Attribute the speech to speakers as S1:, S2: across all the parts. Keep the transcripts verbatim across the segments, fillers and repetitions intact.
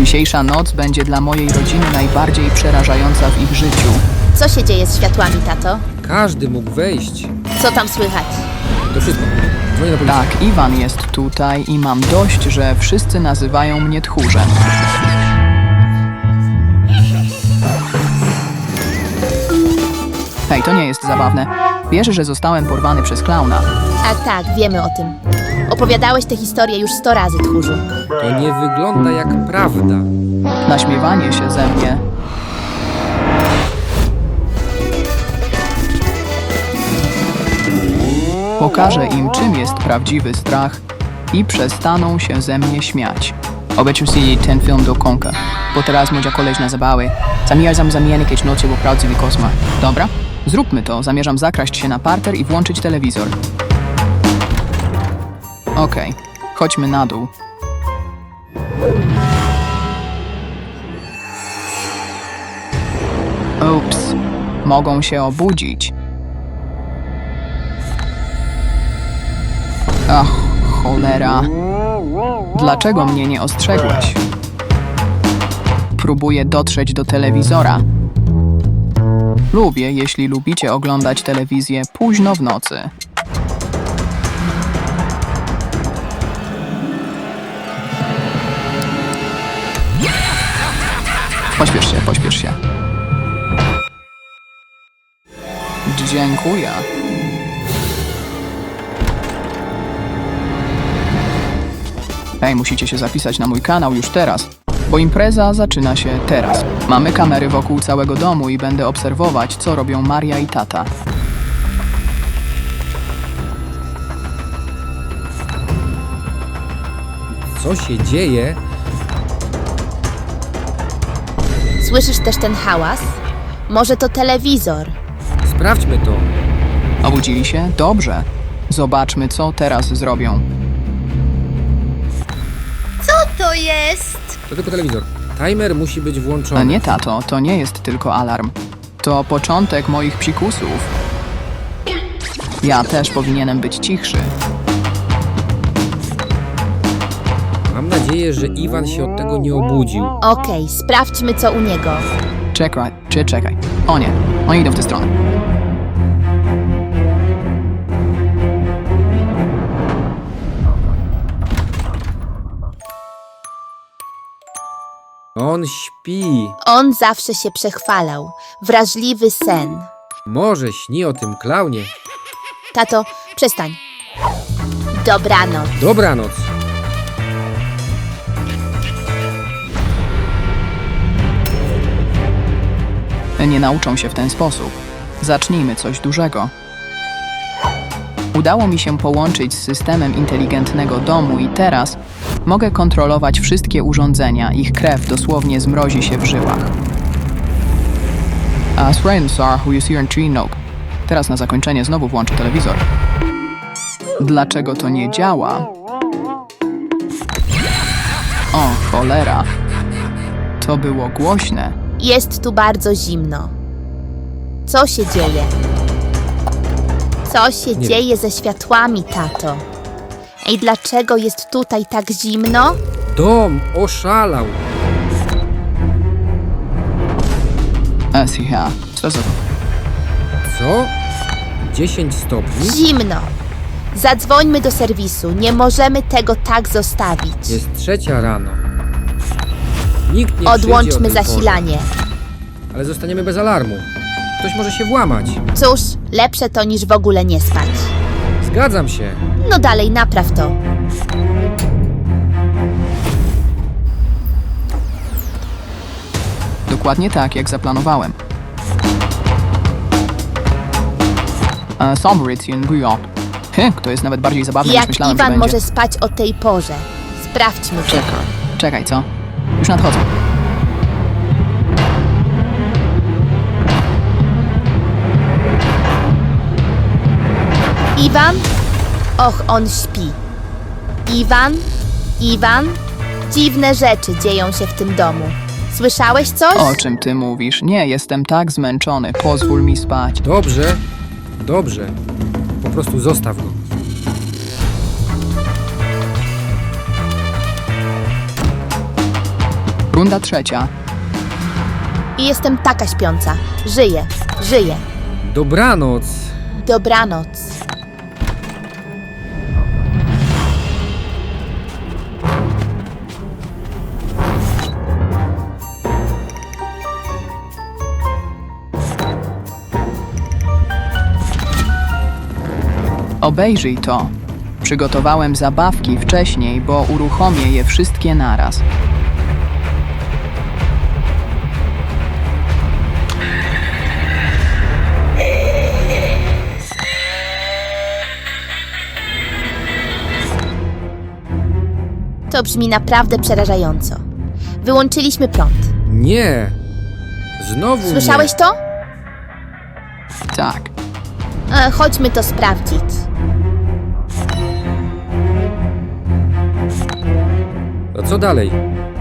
S1: Dzisiejsza noc będzie dla mojej rodziny najbardziej przerażająca w ich życiu.
S2: Co się dzieje z światłami, tato?
S3: Każdy mógł wejść.
S2: Co tam słychać?
S3: To wszystko. Dzwonię na policję.
S1: Tak, Iwan jest tutaj i mam dość, że wszyscy nazywają mnie tchórzem. Hej, to nie jest zabawne. Wiesz, że zostałem porwany przez klauna.
S2: Tak, tak, wiemy o tym. Opowiadałeś tę historię już sto razy, tchórzu.
S3: To nie wygląda jak prawda.
S1: Naśmiewanie się ze mnie. Pokażę im, czym jest prawdziwy strach i przestaną się ze mnie śmiać. Obejrzyj si ten film do końca, bo teraz moja koleżna zabawy. Zamierzam zamienić nocy w prawdziwy koszmar. Dobra? Zróbmy to. Zamierzam zakraść się na parter i włączyć telewizor. Okej, chodźmy na dół. Ups, mogą się obudzić. Ach, cholera. Dlaczego mnie nie ostrzegłeś? Próbuję dotrzeć do telewizora. Lubię, jeśli lubicie oglądać telewizję późno w nocy. Pośpiesz się, pośpiesz się. Dziękuję. Hej, musicie się zapisać na mój kanał już teraz, bo impreza zaczyna się teraz. Mamy kamery wokół całego domu i będę obserwować, co robią Maria i tata.
S3: Co się dzieje?
S2: Słyszysz też ten hałas? Może to telewizor?
S3: Sprawdźmy to.
S1: Obudzili się? Dobrze. Zobaczmy, co teraz zrobią.
S2: Co to jest?
S3: To tylko telewizor. Timer musi być
S1: A
S3: włączony.
S1: nie, tato, to nie jest tylko alarm. To początek moich psikusów. Ja też powinienem być cichszy.
S3: Mam nadzieję, że Iwan się od tego nie obudził.
S2: Okej, sprawdźmy co u niego.
S1: Czekaj, czy czekaj. O nie, oni idą w tę stronę.
S3: On śpi.
S2: On zawsze się przechwalał. Wrażliwy sen.
S3: Może śni o tym klaunie.
S2: Tato, przestań. Dobranoc.
S3: Dobranoc.
S1: Nie nauczą się w ten sposób. Zacznijmy coś dużego. Udało mi się połączyć z systemem inteligentnego domu i teraz mogę kontrolować wszystkie urządzenia. Ich krew dosłownie zmrozi się w żyłach. A Sir, who is here in tree nope. Teraz na zakończenie znowu włączę telewizor. Dlaczego to nie działa? O, cholera. To było głośne.
S2: Jest tu bardzo zimno. Co się dzieje? Co się
S3: Nie
S2: dzieje ze światłami, tato? Ej, dlaczego jest tutaj tak zimno?
S3: Dom oszalał.
S1: Esia, co za to?
S3: Co? dziesięć stopni?
S2: Zimno. Zadzwońmy do serwisu. Nie możemy tego tak zostawić.
S3: Jest trzecia rano. Nikt nie przyjdzie o
S2: Odłączmy
S3: tej porze.
S2: zasilanie.
S3: Ale zostaniemy bez alarmu. Ktoś może się włamać.
S2: Cóż, lepsze to niż w ogóle nie spać.
S3: Zgadzam się.
S2: No dalej, napraw to.
S1: Dokładnie tak, jak zaplanowałem. E, Sombrition Bureau. Hy, to jest nawet bardziej zabawne niż
S2: Jak
S1: myślałem, że
S2: Iwan
S1: będzie.
S2: może spać o tej porze? Sprawdźmy to.
S1: Czekaj, czekaj, co? Już nadchodzę.
S2: Iwan? Och, on śpi. Iwan? Iwan? Dziwne rzeczy dzieją się w tym domu. Słyszałeś coś?
S1: O czym ty mówisz? Nie, jestem tak zmęczony. Pozwól mi spać.
S3: Dobrze. Dobrze. Po prostu zostaw go.
S1: Runda trzecia.
S2: I jestem taka śpiąca. Żyję, żyję.
S3: Dobranoc.
S2: Dobranoc.
S1: Obejrzyj to. Przygotowałem zabawki wcześniej, bo uruchomię je wszystkie naraz.
S2: To brzmi naprawdę przerażająco. Wyłączyliśmy prąd.
S3: Nie. Znowu
S2: Słyszałeś to?
S1: Tak.
S2: E, chodźmy to sprawdzić.
S3: nie. A co dalej?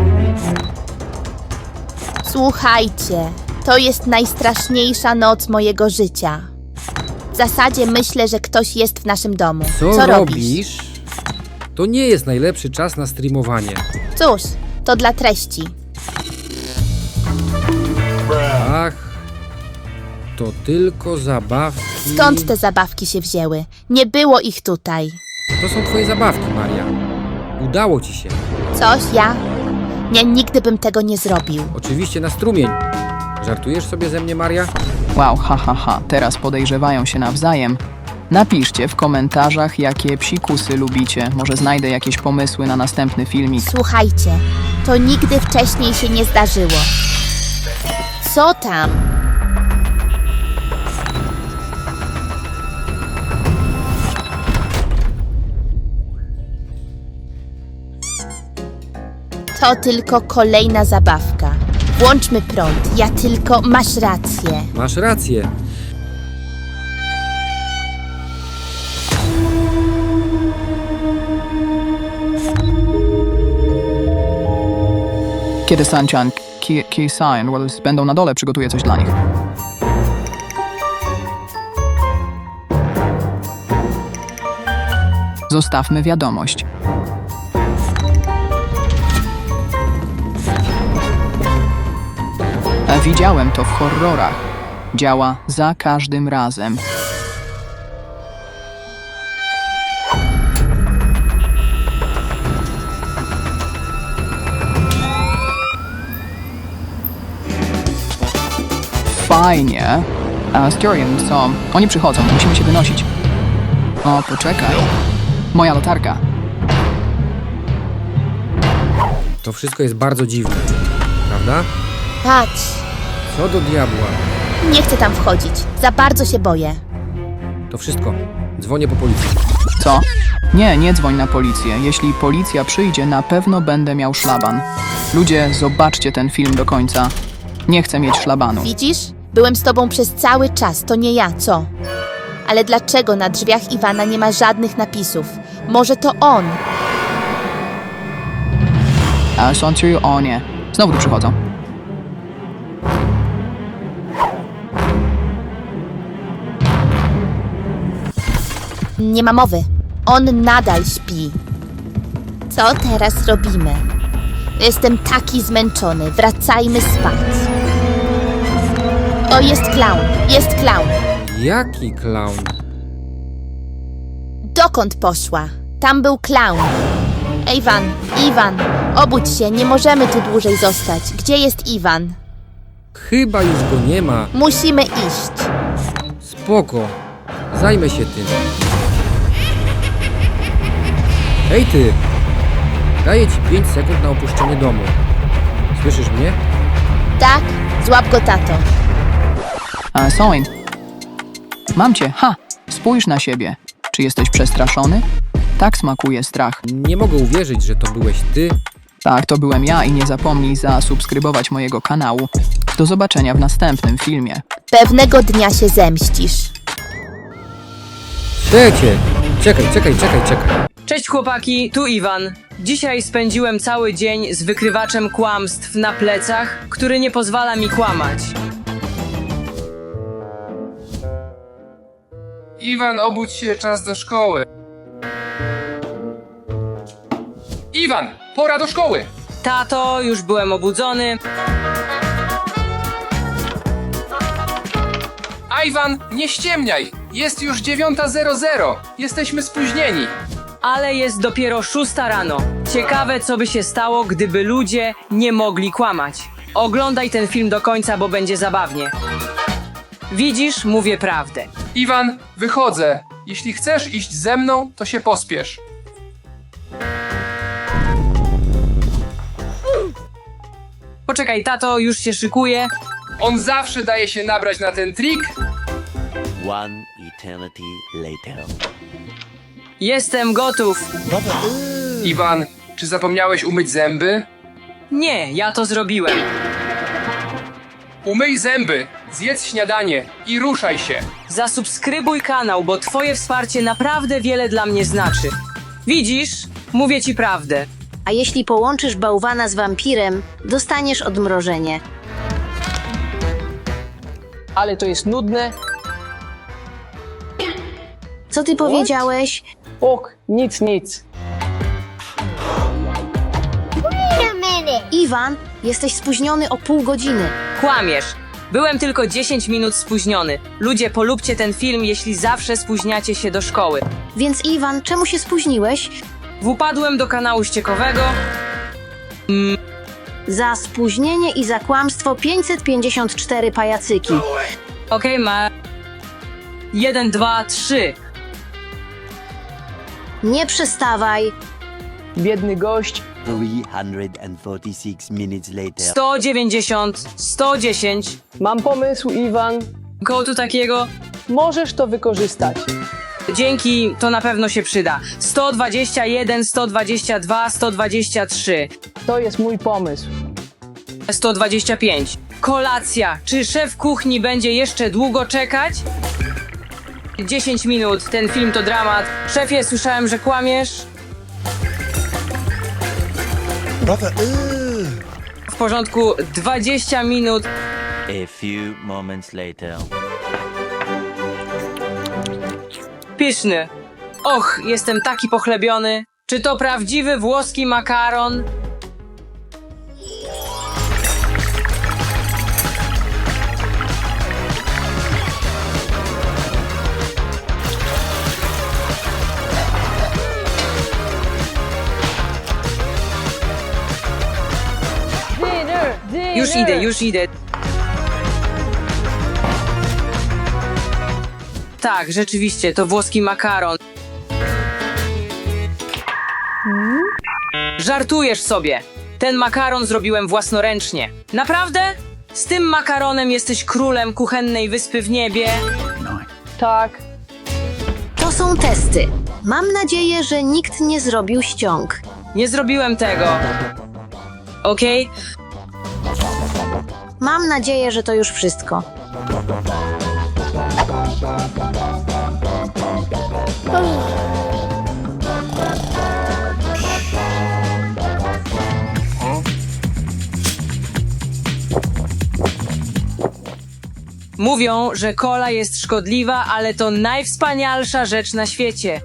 S2: Słuchajcie, to jest najstraszniejsza noc mojego życia. W zasadzie myślę, że ktoś jest w naszym domu.
S3: Co,
S2: Co robisz?
S3: robisz? To nie jest najlepszy czas na streamowanie.
S2: Cóż, to dla treści.
S3: Ach, to tylko zabawki.
S2: Skąd te zabawki się wzięły? Nie było ich tutaj.
S3: To są twoje zabawki, Maria. Udało ci się.
S2: Coś ja? Nie, nigdy bym tego nie zrobił.
S3: Oczywiście na strumień. Żartujesz sobie ze mnie, Maria?
S1: Wow, ha, ha, ha. Teraz podejrzewają się nawzajem. Napiszcie w komentarzach, jakie psikusy lubicie. Może znajdę jakieś pomysły na następny filmik.
S2: Słuchajcie, to nigdy wcześniej się nie zdarzyło. Co tam? To tylko kolejna zabawka. Włączmy prąd. Ja tylko... Masz rację.
S3: Masz rację.
S1: Kiedy Sanchan, Ki, Ki San Wells będą na dole, przygotuję coś dla nich. Zostawmy wiadomość. A widziałem to w horrorach. Działa za każdym razem. Fajnie. A Styrian, co? Oni przychodzą, musimy się wynosić. O, poczekaj. Moja latarka.
S3: To wszystko jest bardzo dziwne. Prawda?
S2: Patrz.
S3: Co do diabła.
S2: Nie chcę tam wchodzić. Za bardzo się boję.
S3: To wszystko. Dzwonię po policję.
S1: Co? Nie, nie dzwoń na policję. Jeśli policja przyjdzie, na pewno będę miał szlaban. Ludzie, zobaczcie ten film do końca. Nie chcę mieć szlabanu.
S2: Widzisz? Byłem z tobą przez cały czas. To nie ja, co? Ale dlaczego na drzwiach Iwana nie ma żadnych napisów? Może to on?
S1: A sądzę, o nie. Znowu tu przychodzą.
S2: Nie ma mowy. On nadal śpi. Co teraz robimy? Jestem taki zmęczony. Wracajmy spać. O, jest klaun. Jest klaun.
S3: Jaki klaun?
S2: Dokąd poszła? Tam był klaun. Iwan, Iwan, obudź się. Nie możemy tu dłużej zostać. Gdzie jest Iwan?
S3: Chyba już go nie ma.
S2: Musimy iść.
S3: Spoko. Zajmę się tym. Hej ty! Daję ci pięć sekund na opuszczenie domu. Słyszysz mnie?
S2: Tak? Złap go, tato.
S1: A Soin. Mam cię, ha! Spójrz na siebie. Czy jesteś przestraszony? Tak smakuje strach.
S3: Nie mogę uwierzyć, że to byłeś ty.
S1: Tak, to byłem ja i nie zapomnij zasubskrybować mojego kanału. Do zobaczenia w następnym filmie.
S2: Pewnego dnia się zemścisz.
S3: Czekaj, czekaj, czekaj, czekaj, czekaj.
S4: Cześć chłopaki, tu Iwan. Dzisiaj spędziłem cały dzień z wykrywaczem kłamstw na plecach, który nie pozwala mi kłamać.
S5: Iwan, obudź się, czas do szkoły. Iwan, pora do szkoły!
S4: tato, już byłem obudzony.
S5: Iwan, nie ściemniaj! Jest już dziewiąta zero zero. Jesteśmy spóźnieni.
S4: Ale jest dopiero szósta rano. Ciekawe, co by się stało, gdyby ludzie nie mogli kłamać. Oglądaj ten film do końca, bo będzie zabawnie. Widzisz, mówię prawdę.
S5: Iwan, wychodzę. Jeśli chcesz iść ze mną, to się pospiesz.
S4: Poczekaj, tato, już się szykuje.
S5: On zawsze daje się nabrać na ten trik.
S6: One eternity later.
S4: Jestem gotów.
S5: Iwan, czy zapomniałeś umyć zęby?
S4: Nie, ja to zrobiłem.
S5: Umyj zęby, zjedz śniadanie i ruszaj się.
S4: Zasubskrybuj kanał, bo twoje wsparcie naprawdę wiele dla mnie znaczy. Widzisz? Mówię ci prawdę.
S7: A jeśli połączysz bałwana z wampirem, dostaniesz odmrożenie.
S1: Ale to jest nudne.
S7: Co ty powiedziałeś?
S1: Och, nic, nic.
S7: Iwan, jesteś spóźniony o pół godziny.
S4: Kłamiesz. Byłem tylko dziesięć minut spóźniony. Ludzie, polubcie ten film, jeśli zawsze spóźniacie się do szkoły.
S7: Więc Iwan, czemu się spóźniłeś?
S4: Wpadłem do kanału ściekowego.
S7: Za spóźnienie i za kłamstwo pięćset pięćdziesiąt cztery pajacyki.
S4: Okej, ma... Jeden, dwa, trzy.
S7: Nie przestawaj.
S1: Biedny gość.
S6: three hundred forty-six minutes later.
S4: sto dziewięćdziesiąt, sto dziesięć.
S1: Mam pomysł, Iwan.
S4: Koło tu takiego.
S1: Możesz to wykorzystać.
S4: Dzięki, to na pewno się przyda. sto dwadzieścia jeden, sto dwadzieścia dwa, sto dwadzieścia trzy,
S1: To jest mój pomysł.
S4: sto dwadzieścia pięć. Kolacja. Czy szef kuchni będzie jeszcze długo czekać? dziesięć minut. Ten film to dramat. Szefie, słyszałem, że kłamiesz. W porządku, dwadzieścia minut.
S6: A few moments later.
S4: Pyszny. Och, jestem taki pochlebiony. Czy to prawdziwy włoski makaron? Już idę, już idę. Tak, rzeczywiście, to włoski makaron. Żartujesz sobie. Ten makaron zrobiłem własnoręcznie. Naprawdę? Z tym makaronem jesteś królem kuchennej wyspy w niebie?
S1: Tak.
S7: To są testy. Mam nadzieję, że nikt nie zrobił ściąg.
S4: Nie zrobiłem tego. Okej?
S7: Mam nadzieję, że to już wszystko.
S4: Mówią, że kola jest szkodliwa, ale to najwspanialsza rzecz na świecie.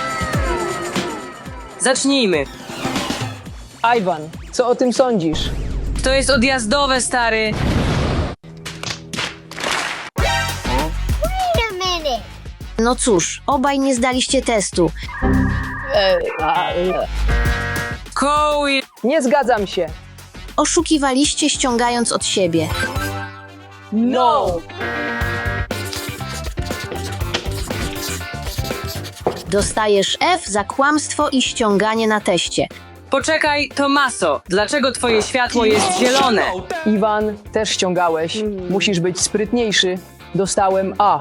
S4: Zacznijmy.
S1: Iwan, co o tym sądzisz?
S4: To jest odjazdowe, stary.
S7: No cóż, obaj nie zdaliście testu.
S4: Koły.
S1: Nie zgadzam się.
S7: Oszukiwaliście, ściągając od siebie.
S1: No!
S7: Dostajesz F za kłamstwo i ściąganie na teście.
S4: Poczekaj, Tomaso. Dlaczego twoje światło jest zielone?
S1: Iwan, też ściągałeś. Musisz być sprytniejszy. Dostałem A.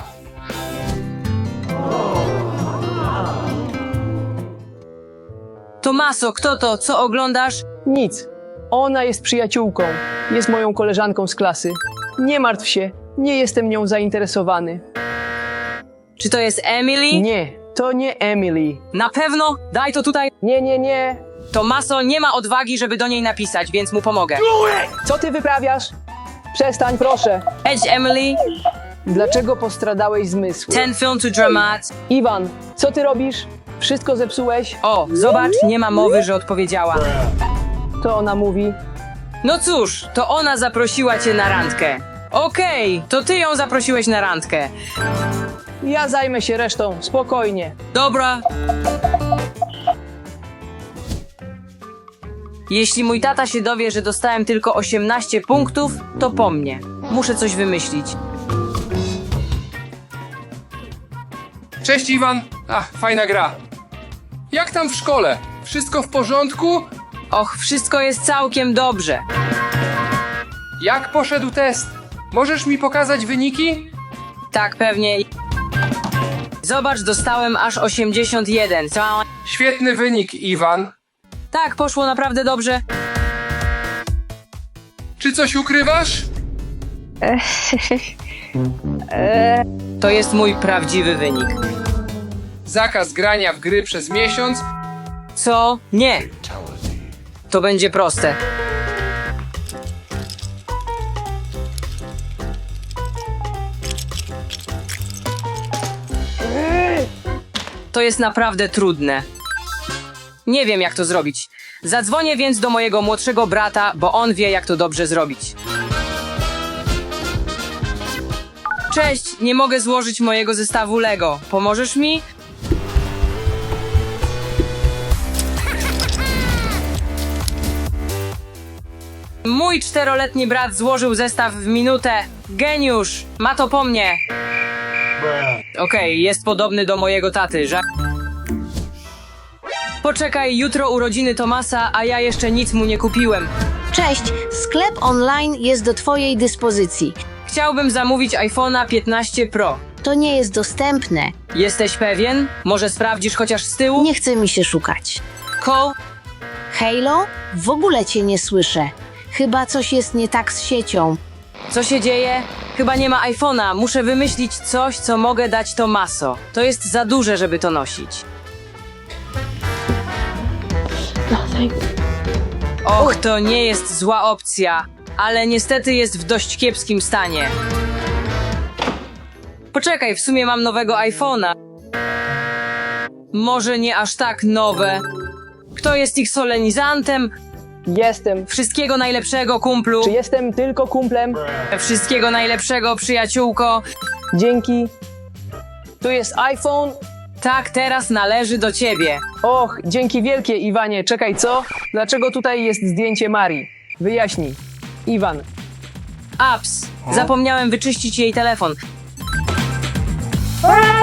S4: Tomaso, kto to? Co oglądasz?
S1: Nic. Ona jest przyjaciółką. Jest moją koleżanką z klasy. Nie martw się. Nie jestem nią zainteresowany.
S4: Czy to jest Emily?
S1: Nie, to nie Emily.
S4: Na pewno? Daj to tutaj.
S1: Nie, nie, nie.
S4: Tomaso nie ma odwagi, żeby do niej napisać, więc mu pomogę.
S1: Co ty wyprawiasz? Przestań, proszę.
S4: Edź, Emily.
S1: Dlaczego postradałeś zmysły?
S4: Ten film to dramat.
S1: Iwan, co ty robisz? Wszystko zepsułeś?
S4: O, zobacz, nie ma mowy, że odpowiedziała.
S8: Co ona mówi?
S4: No cóż, to ona zaprosiła cię na randkę. Okej, to ty ją zaprosiłeś na randkę.
S8: Ja zajmę się resztą, spokojnie.
S4: Dobra. Jeśli mój tata się dowie, że dostałem tylko osiemnaście punktów, to po mnie. Muszę coś wymyślić.
S5: Cześć Iwan. Ach, fajna gra. Jak tam w szkole? Wszystko w porządku?
S4: Och, wszystko jest całkiem dobrze.
S5: Jak poszedł test? Możesz mi pokazać wyniki?
S4: Tak, pewnie. Zobacz, dostałem aż osiemdziesiąt jeden. Co?
S5: Świetny wynik, Iwan.
S4: Tak, poszło naprawdę dobrze.
S5: Czy coś ukrywasz?
S4: To jest mój prawdziwy wynik.
S5: Zakaz grania w gry przez miesiąc.
S4: Co? Nie. To będzie proste. To jest naprawdę trudne. Nie wiem, jak to zrobić. Zadzwonię więc do mojego młodszego brata, bo on wie, jak to dobrze zrobić. Cześć, nie mogę złożyć mojego zestawu Lego. Pomożesz mi? Mój czteroletni brat złożył zestaw w minutę. Geniusz! Ma to po mnie. Okej, jest podobny do mojego taty, że... Poczekaj, jutro urodziny Tomasa, a ja jeszcze nic mu nie kupiłem.
S7: Cześć, sklep online jest do Twojej dyspozycji.
S4: Chciałbym zamówić iPhone'a piętnaście Pro.
S7: To nie jest dostępne.
S4: Jesteś pewien? Może sprawdzisz chociaż z tyłu?
S7: Nie chce mi się szukać.
S4: Cole?
S7: Halo? W ogóle Cię nie słyszę. Chyba coś jest nie tak z siecią.
S4: Co się dzieje? Chyba nie ma iPhone'a. Muszę wymyślić coś, co mogę dać Tomaso. To jest za duże, żeby to nosić. Och, to nie jest zła opcja, ale niestety jest w dość kiepskim stanie. Poczekaj, w sumie mam nowego iPhone'a. Może nie aż tak nowe. Kto jest ich solenizantem?
S8: Jestem.
S4: Wszystkiego najlepszego, kumplu.
S8: Czy jestem tylko kumplem?
S4: Wszystkiego najlepszego, przyjaciółko.
S8: Dzięki. Tu jest iPhone.
S4: Tak, teraz należy do ciebie.
S8: Och, dzięki wielkie, Iwanie. Czekaj, co? Dlaczego tutaj jest zdjęcie Marii? Wyjaśnij. Iwan.
S4: Ups, zapomniałem wyczyścić jej telefon.
S8: Aaa!